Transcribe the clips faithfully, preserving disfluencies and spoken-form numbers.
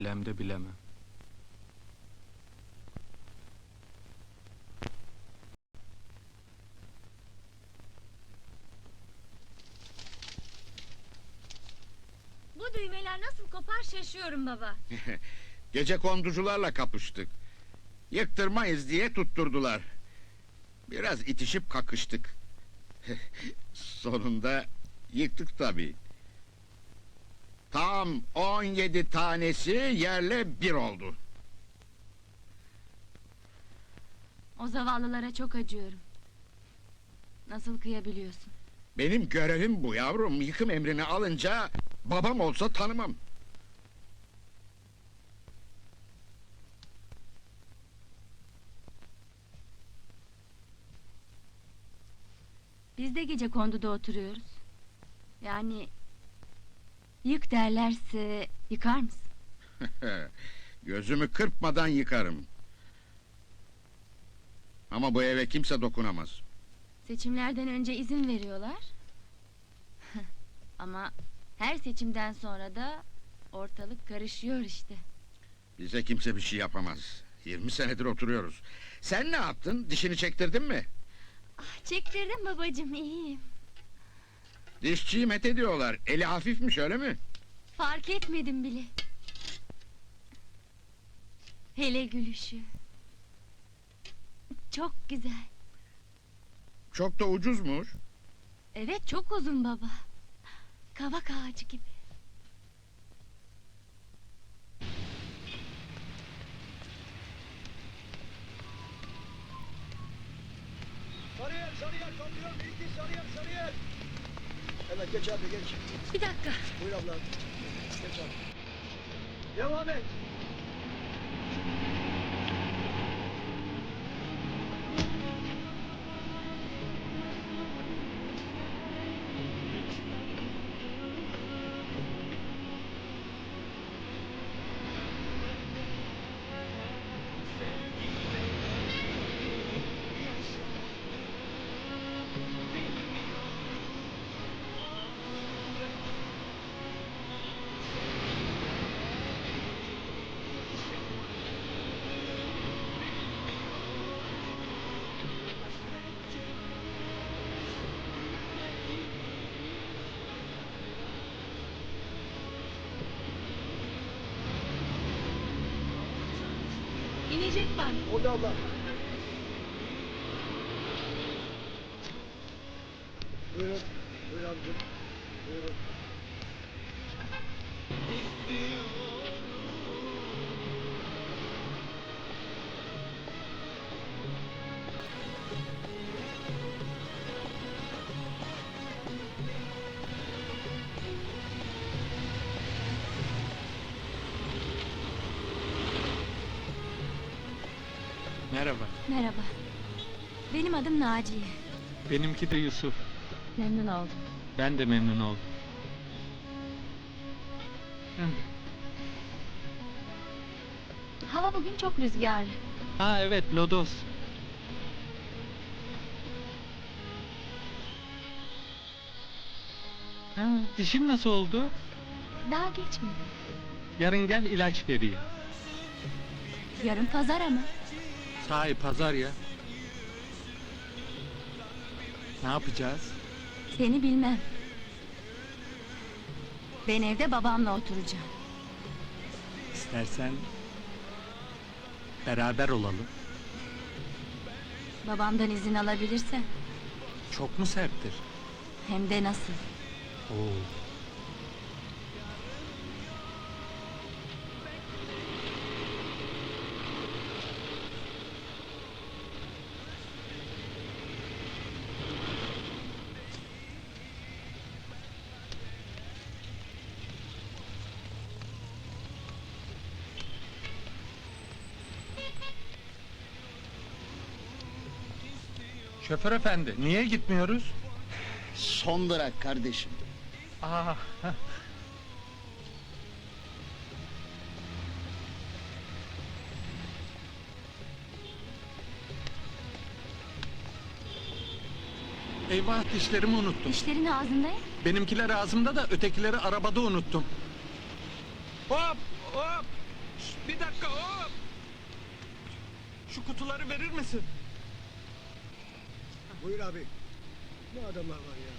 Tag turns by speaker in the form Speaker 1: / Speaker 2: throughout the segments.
Speaker 1: Bilem de bilemem.
Speaker 2: Bu düğmeler nasıl kopar şaşıyorum baba.
Speaker 3: Gece konducularla kapıştık. Yıktırmayız diye tutturdular. Biraz itişip kakıştık. Sonunda yıktık tabii. Tam on yedi tanesi yerle bir oldu.
Speaker 2: O zavallılara çok acıyorum. Nasıl kıyabiliyorsun?
Speaker 3: Benim görevim bu yavrum. Yıkım emrini alınca babam olsa tanımam.
Speaker 2: Biz de gece konduda oturuyoruz. Yani... Yık derlerse yıkar mısın?
Speaker 3: Gözümü kırpmadan yıkarım. Ama bu eve kimse dokunamaz.
Speaker 2: Seçimlerden önce izin veriyorlar. Ama her seçimden sonra da ortalık karışıyor işte.
Speaker 3: Bize kimse bir şey yapamaz. Yirmi senedir oturuyoruz. Sen ne yaptın? Dişini çektirdin mi?
Speaker 2: Ah, çektirdim babacığım, iyiyim.
Speaker 3: Dişçiyi met ediyorlar. Eli hafifmiş, öyle mi?
Speaker 2: Fark etmedim bile. Hele gülüşü. Çok güzel.
Speaker 3: Çok da ucuzmuş.
Speaker 2: Evet, çok uzun baba. Kavak ağacı gibi.
Speaker 4: Sarıyer, Sarıyer kamyon, bilgi Sarıyer, Sarıyer. Evet, geç abi, geç.
Speaker 2: Bir dakika.
Speaker 4: Buyur abla. Geç abi. Devam et.
Speaker 2: İnecek var.
Speaker 4: Orada abla. Buyurun. Buyur abicim. Buyurun.
Speaker 1: Merhaba.
Speaker 2: Merhaba. Benim adım Naciye.
Speaker 1: Benimki de Yusuf.
Speaker 2: Memnun oldum.
Speaker 1: Ben de memnun oldum. Hı.
Speaker 2: Hava bugün çok rüzgarlı.
Speaker 1: Ha evet, lodos. Ha, dişim nasıl oldu?
Speaker 2: Daha geçmedi.
Speaker 1: Yarın gel, ilaç vereyim.
Speaker 2: Yarın pazar ama.
Speaker 1: Sahi pazar ya. Ne yapacağız?
Speaker 2: Seni bilmem. Ben evde babamla oturacağım.
Speaker 1: İstersen beraber olalım.
Speaker 2: Babamdan izin alabilirsem.
Speaker 1: Çok mu serttir?
Speaker 2: Hem de nasıl.
Speaker 1: Oo. Şoför efendi, niye gitmiyoruz?
Speaker 4: Son durak kardeşim.
Speaker 1: Aa, eyvah, dişlerimi unuttum.
Speaker 2: Dişlerin ağzında ya.
Speaker 1: Benimkiler ağzımda da ötekileri arabada unuttum. Hop hop Hop! Şu kutuları verir misin?
Speaker 4: Buyur abi. Ne adamlar var ya.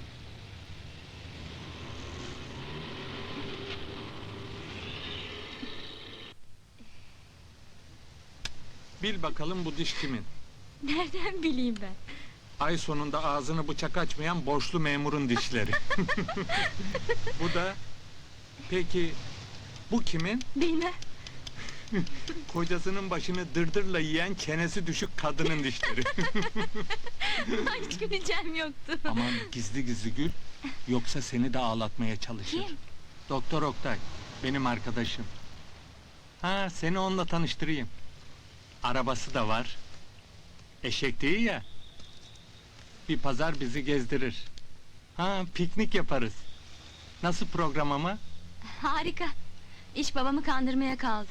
Speaker 1: Bil bakalım bu diş kimin?
Speaker 2: Nereden bileyim ben?
Speaker 1: Ay sonunda ağzını bıçak açmayan borçlu memurun dişleri. Bu da... Peki bu kimin?
Speaker 2: Bilmem.
Speaker 1: Kocasının başını dırdırla yiyen çenesi düşük kadının dişleri.
Speaker 2: Hiç güleceğim yoktu.
Speaker 1: Aman gizli gizli gül, yoksa seni de ağlatmaya çalışır.
Speaker 2: Kim?
Speaker 1: Doktor Oktay, benim arkadaşım. Ha, seni onunla tanıştırayım. Arabası da var. Eşek değil ya. Bir pazar bizi gezdirir. Ha, piknik yaparız. Nasıl program ama?
Speaker 2: Harika. İş babamı kandırmaya kaldı.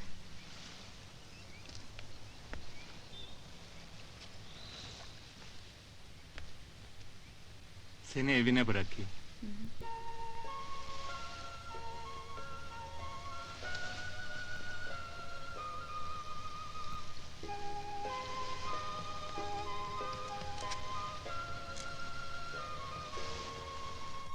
Speaker 1: Seni evine bırakayım.